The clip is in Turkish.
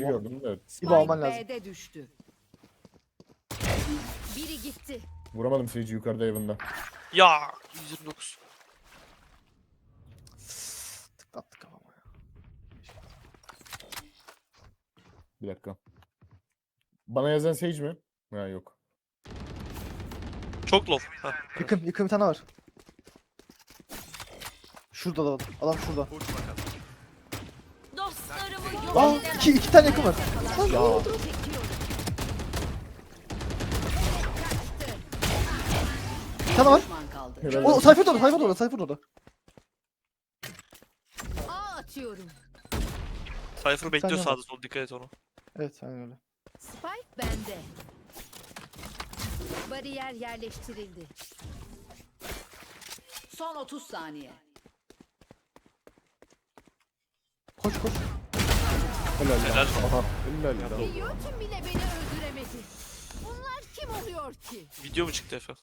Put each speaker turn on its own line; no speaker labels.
gördüm de.
İbo alman lazım.
B'de düştü. Biri gitti.
Vuramadım Sage'i yukarıda evinde.
Ya 129.
Tıklattık kafama ya.
Bir dakika. Bana yazan Sage mi? Ha yok.
Çok low. Heh.
Yakın bir tane var. Şurada da adam şurada.
Dostlarımı yok
Aa
edemem.
iki tane yakın var. Lan ne oldu?
Çekiyorum.
Bir tane var.
Düşman kaldı.
Helal
O
olsun.
Cypher orada.
A atıyorum.
Cypher bekliyor
Sen
sağda sol, dikkat et ona.
Evet aynen öyle.
Spike bende. Bariyer yerleştirildi. Son 30 saniye.
Koş.
Helal
Helal.
lan. Aha. Helal lan.
Yöntüm bile beni öldüremedi. Bunlar kim oluyor ki?
Video mu çıktı Efe?